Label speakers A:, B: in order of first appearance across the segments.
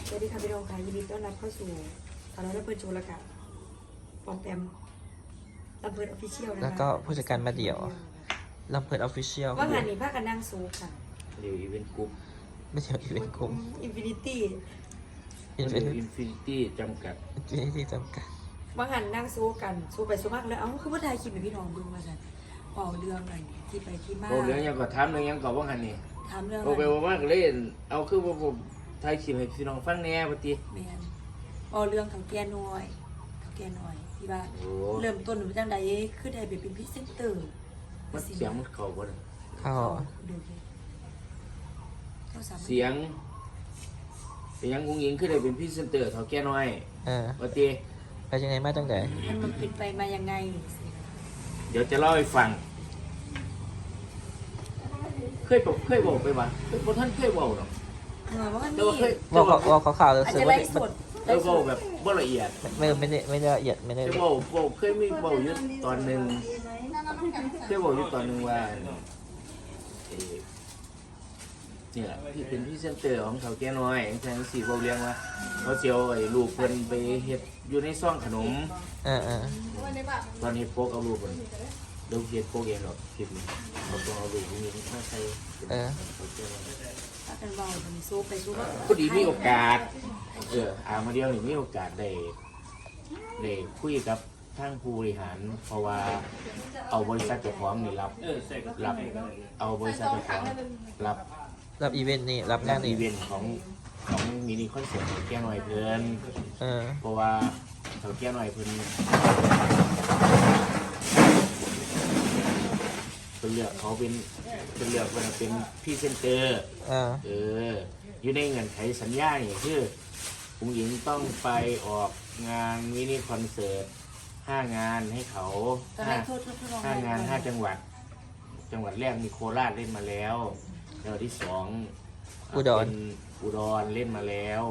A: สวัสดีค่ะพี่น้องค่ะยินดีต้อนรับเข้าสู่สารวัตรเปิดโชว์ละกันปอมแปมลำเพิดออฟฟิเชียลนะคะ
B: แล้วก็ผู้จัดการมาเดี่ยวลำเพิดออฟฟิเชียล
A: ว่างานนี้พากันนั่งซูค่ะ
C: เดี๋ยวอีเวนต์กรุ๊ป
B: ไม่ใช่อีเวนต์กลุ่ม
A: อินฟินิตี้
B: อิน
C: เดี๋ยวอินฟินิตี้จำกัด
B: ที่จำกัด
A: ว่างานนั่งซูกันซูไปซูมากแล้วเอ้าคือว่าไทยคิดเป็นพี่น้องดูมาสันเป่าเรื่องอะไรที่ไปที่มา
C: โอ้เรื่องยังก็ถามเรื่องยังก็ว่าหันนี่
A: ถามเรื่อง
C: โอ้ไปว่าว่าก็เล่นเอาคือว่าผมไทยคลิปให้พี่น้องฟังแหน่ปฏิ
A: แมนเป่าเรื่องของแกน้อยที่ว่า
C: โอ้
A: เริ่มต้นหนูจังใดคือได้ไปเป็นพรีเซนเตอร์
C: มันเสียงมันเข้าบ่ได้
B: เข้า
A: ดูดิเขาสามารถ
C: เสียงเป็นยังกุ้งยิงขึ้นได้เป็นพรีเซนเตอร์เท่าแก่น้อย ปฏิ
B: ไปยังไงมาตั้งแต่
A: มันเป็นไปมายังไง
C: เดี๋ยวจะเล่าให้ฟังเคยบอกไปว่าบ่ท่านเคยบอกหรอก
A: เหมือนว่ามัน
C: แต่
A: มี
C: ว่าเคย
B: ว่าเขาข่าวรู้
A: อาจ
B: สึก
A: จะ
B: ว่า
A: ไล่สด
C: บอกแบบบ่ละเอียด
B: ไม่ได้ละเอียดไม่ได้
C: จะบอกเคยมีบอกอยู่ตอนหนึ่งเคยบอกอยู่ตอนหนึ่งว่าเนี่ยที่เป็นพรีเซนเตอร์ของเขาแก่น้อยแทนสีบอกเรียงว่าเขาเสียวไอ้ลูกเพิ่นไปเฮ็ดอยู่ในซ่องขนม ตอนเฮ็ดโป๊กเอาลูกเพิ่นเดี๋ยวเฮ็ดโป๊กเองหรอกคลิปนี้เขาต้องเอาลูกพวกนี้มาใส่เขาแก่น้อย
A: ถ้าเป็นเบาเป็นซูไปซูก็
C: พอดีมีโอกาสมาเดียวนี่มีโอกาสได้คุยกับทางผู้บริหารเพราะว่าเอาบริษัทเจ้าของนี่รับเอาบริษัทเจ้าของรับ
B: อีเวนต์นี่รับงาน
C: อี
B: นี่
C: เวนต์ของมินิคอนเสิร์ตของแก้หน่อยเพิ่นเพราะว่าเขาแก้หน่อยเพิ่นเลือกเขาเป็นเลือกเพิ่นเป็นพรีเซนเตอร์อยู่ในเงื่อนไขสัญญานี่คือผู้หญิงต้องไปออกงานมินิคอนเสิร์ต5 งานให้เขา5 งาน 5 จังหวัดแรกมีโคราชเล่นมาแล้วจังหวัดที่2เป็นอุดรเล่นมาแล้ว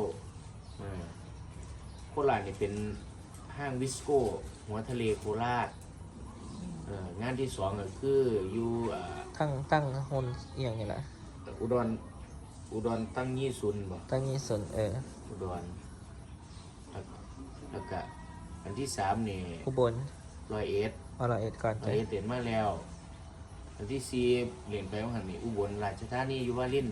C: โคราชนี่เป็นห้างวิสโก้หัวทะเลโคราชงานที่2ก็คืออยู่
B: ตั้งโฮนเอียงนี่แหละ
C: อุดรตั้งยี่ซุนบ่
B: ตั้งยี่ส่วน
C: อุดรแล้วก็อันที่3นี่
B: อุบล
C: 101
B: ก่อน
C: 101เปลี่ยนมาแล้วอันที่4เปลี่ยนไปว่าหันนี่อุบลราชธานีอยู่วาริน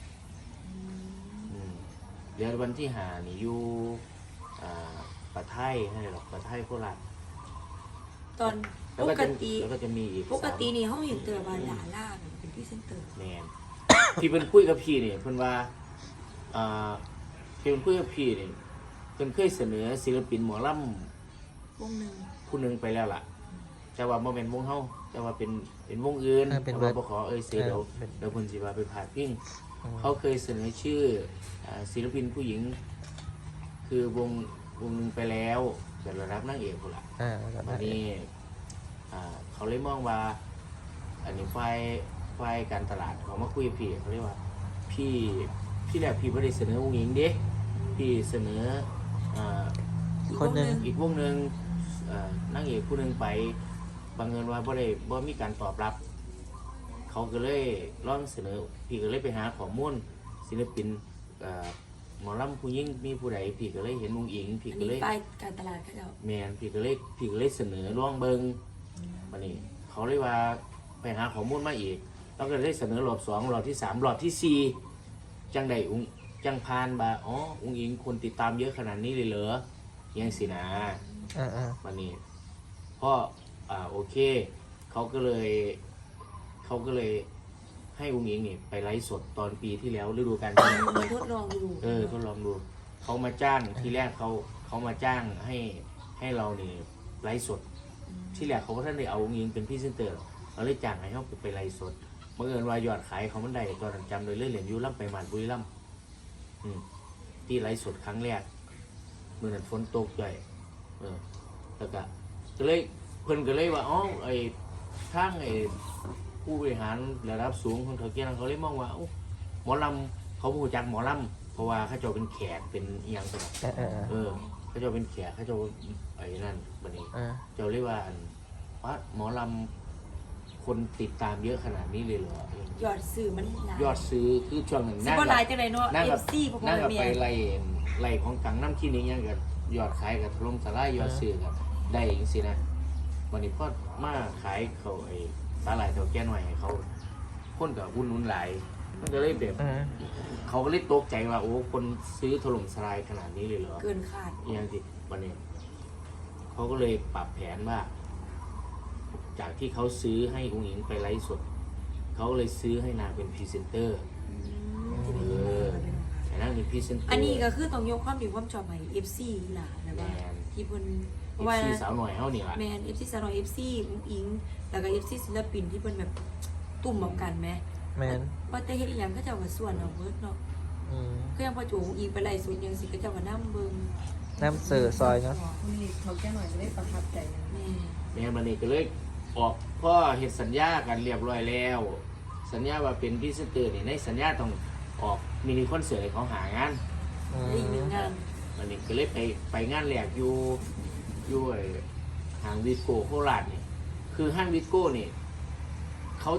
C: เดือนวันที่5นี่อยู่ปะไทยให้หรอกปะไทยโคราช
A: ตอนปกติ
C: แล้วก็จะมีอีก
A: ปกตินี่เขาเห็นเตอร์บาดาล่าเป็นพรีเซนเตอร์
C: แมน ที่เป็นคุยกับพี่เนี่ยเพิ่นว่าที่เป็นคุยกับพี่เนี่ยเพิ่นเคยเสนอศิลปินหมอลำ
A: วงหนึ่ง
C: ผู้หนึ่งไปแล้วล่ะแต่ว่าบ่แม่นวงเฮาแต่ว่าเป็นวงอื่นเพราะว่าบ่ขอเสียเดี๋ยวเพิ่นสิว่าไปพาดพิงเขาเคยเสนอชื่อศิลปินผู้หญิงคือวงนึงไปแล้วเป็นระดับนางเอกพุ่นล่ะวันนี้เขาเลยมองว่าอันนี้ฝ่ายการตลาดเขามาคุยกับพี่เขาเรียกว่าพี่แรกพี่ไม่ได้เสนอวงหญิงเด้พี่เสนอ
B: คนหนึ่ง
C: อีกวงหนึ่งนางเอกผู้หนึ่งไปบังเอิญว่าบ่มีการตอบรับเขาก็เลยลองเสนอพี่ก็เลยไปหาข้อมูลศิลปินหมอลำผู้หญิงมีผู้ใดพี่ก็เลยเห็นวงหญิงพี่ก็เลย
A: ไปการตลาดเขาเจ้า
C: แมนพี่ก็เลยเสนอร่องเบิงวันนี้เขาเลยว่าไปหาข้อมูลมาอีกแล้วก็ได้เสนอรอบ2รอบที่3รอบที่4จังใดจังพานบ่าอุ้งอิงคนติดตามเยอะขนาดนี้เลยเหรอยังสินะวันนี้พ่อโอเคเขาก็เลยให้อุ้งอิงนี่ไปไลฟ์สดตอนปีที่แล้วฤดูกาลที่แล้ว
A: ทดลองดู
C: ทดลองดูเขามาจ้างที่แรกเขามาจ้างให้เรานี่ไลฟ์สดที่แรกเขาก็ท่านได้เอาอุ้งอิงเป็นพรีเซนเตอร์เราเลยจ้างให้เขาไปไลฟ์สดเมื่อเอิญว่ายอดขายเขามันได้ตอนนั้นจำเลยเหรียญยูร่ำไปหมันบุรีร่ำที่ไลฟ์สดครั้งแรกเมื่อนั้นฝนตกด้วยแล้วก็เลยเพิ่นก็เลยว่าไอ้ทางไอ้ผู้บริหารระดับสูงของเขาเกี่ยงเขาเลยมองว่าหมอลำเขาผู้จักหมอลำเพราะว่าเขาจะเป็นแขกเป็นอีหยังตัวเขาจะเป็นแขกเขาจะไอ้นั่นบัดนี้เจ้าเรียกว่าวัดหมอลำคนติดตามเยอะขนาดนี้เลยเหรอย
A: อดซื้อมัน
C: ยอดซื้อคือช่วงหนึ่ง
A: นั่งกับไปไล่
C: ไหลของกังน้ำขี้นี้ยังกับยอดขายกับถล่มทลายยอดซื้อกับได้อย่างสินะวันนี้พอมาขายเขาไอ้สาหร่ายเถาแก่หน่อยให้เขาคนกับหุ้นนุ่นหลายมันก็เลยแบบเขาก็เลยตกใจว่าโอ้คนซื้อถล่มทลายขนาดนี้เลยเหรอ
A: เกินคาด
C: อย่างที่วันนี้เขาก็เลยปรับแผนว่า จากที่เขาซื้อให้คุณหญิงไปไลฟ์สดเขาก็เลยซื้อให้นางเป็นพรีเซนเตอร์แต่นางเป็นพรีเซนเตอร์
A: อันนี้ก็คือต้องยกความดีความชอบให้ FC ล่ะนะว่าที่เพิ่น
C: เอฟซีสาวหน่อยเขาเนี่ย
A: แมน FC สาวน้อย FC อุ้งอิงแล้วก็ FC ศิลปินที่เพิ่นแบบตุ่มเหมือนกันแหม
B: แมน
A: ว่าแต่เฮ็ดอีหยังก็เจ้าก็ส่วนเอาเบิดเนาะ ก็ยังพอจูอีกไปไล่สุดยังสิก็เจ้าก็นำเบิ่ง
B: น้ำเสือซอยเนาะ
D: คุณนี่เขาแก้หน่อยจะได้ประทับใจนะ
A: แม่
C: แม่มันนี่ก็เลยออกพ่อเห็นสัญญากันเรียบร้อยแล้ว สัญญาว่าเป็นพรีเซนเตอร์นี่ในสัญญาต้องออกมินิคอนเสิร์ตให้เขาหางาน
A: ได้อีกหนึ่งงาน
C: มันนี่ก็เลยไปงานแหลกอยู่ไอ้ห้างวิสโก้โคราชนี่คือห้างวิสโก้นี่เขา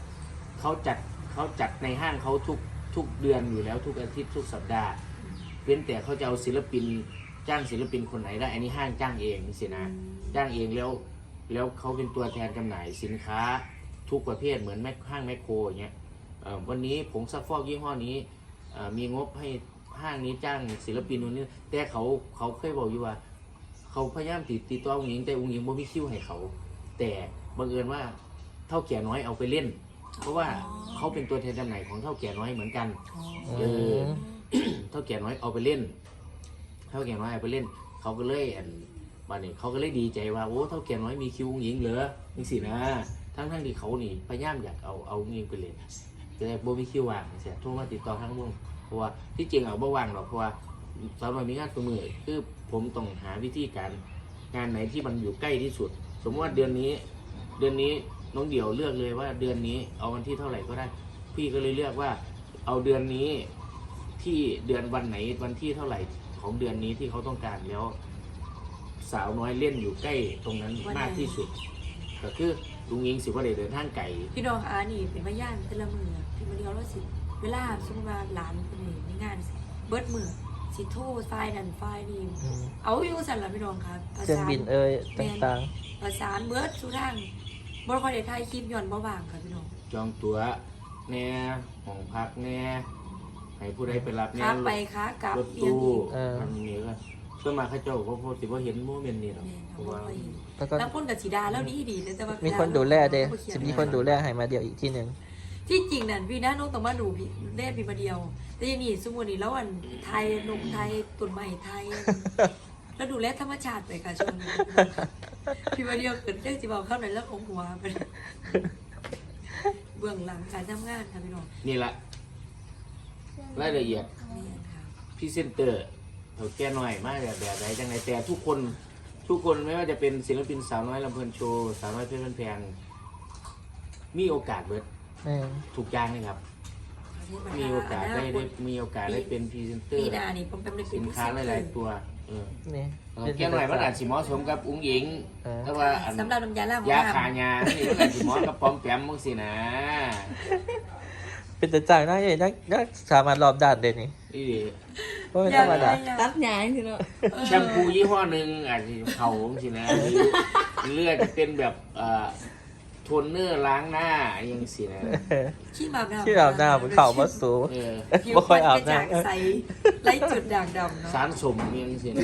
C: จัดในห้างเขาทุกเดือนอยู่แล้วทุกอาทิตย์ทุกสัปดาห์เว้นแต่เขาจะเอาศิลปินจ้างศิลปินคนไหนได้อันนี้ห้างจ้างเองสินะจ้างเองแล้วเขาเป็นตัวแทนจำหน่ายสินค้าทุกประเภทเหมือนห้างแมคโครอย่างเงี้ยวันนี้ผงซักฟอกยี่ห้อนี้มีงบให้ห้างนี้จ้างศิลปินนู่นนี่แต่เขาเคยบอกอยู่ว่าเขาพยายามติดต่ออุ้งอิงแต่อุ้งอิงบ่มีคิวให้เขาแต่บังเอิญว่าเท่าแก่น้อยเอาไปเล่น เพราะว่าเขาเป็นตัวแทนจำหน่ายของเท่าแก่น้อยเหมือนกันเท่าแก่น้อยเอาไปเล่นเท่าแก่น้อยเอาไปเล่นเขาก็เลยวันนี้เขาก็เลยดีใจว่าโอ้เท่าแก่น้อยมีคิวอุ้งอิงเหรอนี่สินะทั้งที่เขานี่พยายามอยากเอาอุ้งอิงไปเล่นแต่โบมีคิวว่างเสียโทรมาติดต่อทั้งวงเพราะว่าที่จริงเอาบ่ว่างหรอกเพราะว่าสำหรับมีงานตัวมือคือผมต้องหาวิธีการงานไหนที่มันอยู่ใกล้ที่สุดสมมติว่าเดือนนี้น้องเดี่ยวเลือกเลยว่าเดือนนี้เอาวันที่เท่าไหร่ก็ได้พี่ก็เลยเลือกว่าเอาเดือนนี้ที่เดือนวันไหนวันที่เท่าไหร่ของเดือนนี้ที่เขาต้องการแล้วสาวน้อยเล่นอยู่ใกล้ตรงนั้นมากที่สุดก็คือลุงยิงสิว่าได้เดินทางไกล
A: พี่น้องอานี่เป็นพยานแต่ละมือพี่มาเดียวแล้วสิเวลาสมมติว่าหลานคนนี้มีงานสิเบิดมือสิโทรไฟล์นั่นไฟล์นี่เอาอยู่สั่นล่ะพี่น้องครับ
B: เครื่องบินต่าง
A: ประสานเบิดสุทางบ่ค่อยได้ถ่ายคลิปย้อนบ่ว่างค่ะพี่น้อง
C: จองตั๋วแน่ห้องพักแน่ให้ผู้ใดไปรับแน่
A: ค้าไปค้ากลับ
C: รถ
A: เอียง
C: ตู้
A: อีก
C: มันมีก็เพื่อมาข้าเจ้าก็พอสิว่าเห็นโมเมนต์นี่หรอก
A: แม่
C: เพ
A: เขา
C: ราะ
A: บ่
C: ว่า
A: ค่อยเห็น
B: ๆแล้วก็
A: แล้วคนกับสีดาแล้วดีแต่ว่า
B: มี
A: มี
B: คนดูแลเด้จะมีคนดูแลให้มาเดียวอีกที่หนึ่ง
A: ที่จริงนั่นพี่นะน้องต้องมาดูพี่แม่พี่มาเดียว แต่ยังนี่สมมุตินี่แล้วอันไทยนกไทยตุ่นใหม่ไทย แล้วดูแลธรรมชาติไปค่ะช่วงนี้พี่มาเดียวเกิดเรื่องสิบอกเข้าในเรื่องของหัวไปเบื้องหลังการทำงานค่ะพี่น้อง
C: นี่แหละรายละเอียด
A: นี่ค่ะ
C: พรีเซนเตอร์เขาแก้หน่อยมากแบบไหนจังไงแต่ทุกคนไม่ว่าจะเป็นศิลปินสาวน้อยลำเพลินโชว์สาวน้อยเพชรบ้านแพงมีโอกาสเบิด
B: แม่น
C: ถูกอย่างเลยครับ มีโอกาสได้เป็นพรีเซนเตอ
A: ปี
C: ร์
A: หน้านี่ผมเป็น
C: สินค้าหลายๆตัว
B: นี่
C: แก้หน่อยมันอาจสิเหมาะสมกับอุ้งหญิงแต่ว่าอัน
A: สำหรับน้ำยาล้างห้อง
C: ยา
A: น้ำ
C: ขายานี่มันอาจสิเหมาะกับปอมแปมมึงสินะ
B: เป็นแต่จ่ายน่าจะนักสามารถรอบด้านเด่นนี่
C: นี่ดิ
B: เพราะไม่ธรรมดา
D: ตัดหยางทีเนาะ
C: แชมพูยี่ห้อหนึ่งอาจจะเผามึงสินะหรือเลือดจะเป็นแบบโทนเนอร์ล้างหน้ายังสินะ
A: ขี้หมาบน้ำ
B: ที่อาบน้ำมันเข่ามาสูง
C: เออ
A: ผิว
B: บ่ค่อยอาบ
A: กระจ่าง
B: น้ำ
A: ใสไล่จุดด่างดำเนาะ
C: สารสมยังสินะ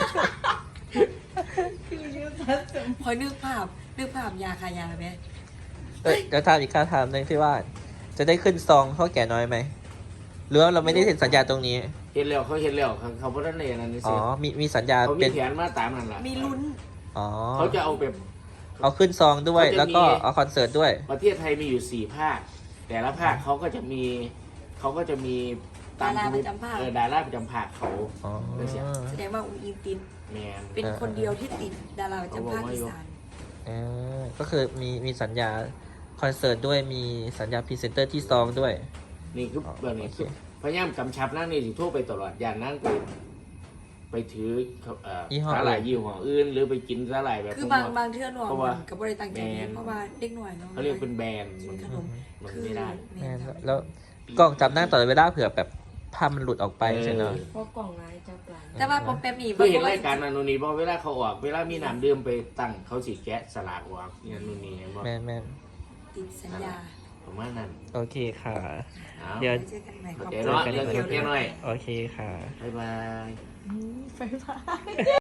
A: พอนึกภาพยาคายาไหม
B: เดี๋ยวถามอีกคำถามหนึ่งที่ว่า จะได้ขึ้นซองเท่าแก่น้อยไหมหรือว่าเราไม่ได้เซ็นสัญญาตรงนี้
C: เห็นแล้วเขาบ่ได้ในนั้นนี่
B: อ๋
C: สิ
B: อมีสัญญา
C: เขามี
B: เป็น
C: แผนมาตามนั่นล่ะ
A: มีลุ้น
B: อ๋อ
C: เขาจะเอาแบบ
B: เอาขึ้นซองด้วย
C: เขาจะมี
B: แล้วก็เอาคอนเสิร์ตด้วย
C: ประเทศไทยมีอยู่4ภาคแต่ละภาคเขาก็จะมีดาราประจำภาคเขา
B: อ๋อ
A: แสดงว่าอุ้งอิงติด
C: แมน
A: เป็นคนเดียวที่ติดดาราประจำภาคอีสาน
B: ก็คือมีสัญญาคอนเสิร์ตด้วยมีสัญญาพรีเซนเตอร์ที่ซองด้วย
C: นี่คือแบบนี้
B: โอเค
C: คือพยายามกำชับนั่งนี่สิโทรไปตลอดอย่างนั่งไปถือสาหร่ายยี่ห้ออื่นหรือไปกินสาหร่ายแบบ
A: คือบางเทื่อหน่อยมันกับบริตังใจเพราะว่าเด็กหน่อยเนาะ
C: เขาเรียกเป็นแบรนด์
A: ขนม
C: มัน
A: คือ
C: ไม่ได้
B: แม่นแล้วกล้องจับหน้าตลอดเวลาเผื่อแบบภาพมันหลุดออกไปใช่ไหม
D: เพราะกล่องลายจับลาย
A: แต่ว่าปอมแปมนี่
C: เพื่อเห็นรายการนันนี่บอกเวลาเขาออกเวลามีน้ำดื่มไปตั้งเขาสิแกะสลากออกเนี่ยนู่นนี่บอก
B: แม่น
A: ติดสัญญา
C: ประมาณนั้น
B: ๆโอเคค่ะ
C: เอา
B: เดี๋ยว
A: ไเจอกันใหม่ขอบ
C: เดี๋ยว
A: คุณ
C: เนาะเดี๋ยวเก็บแค่หน่อย
B: โอเคค่ะ
C: บ๊ายบาย
D: ไฟฟ้า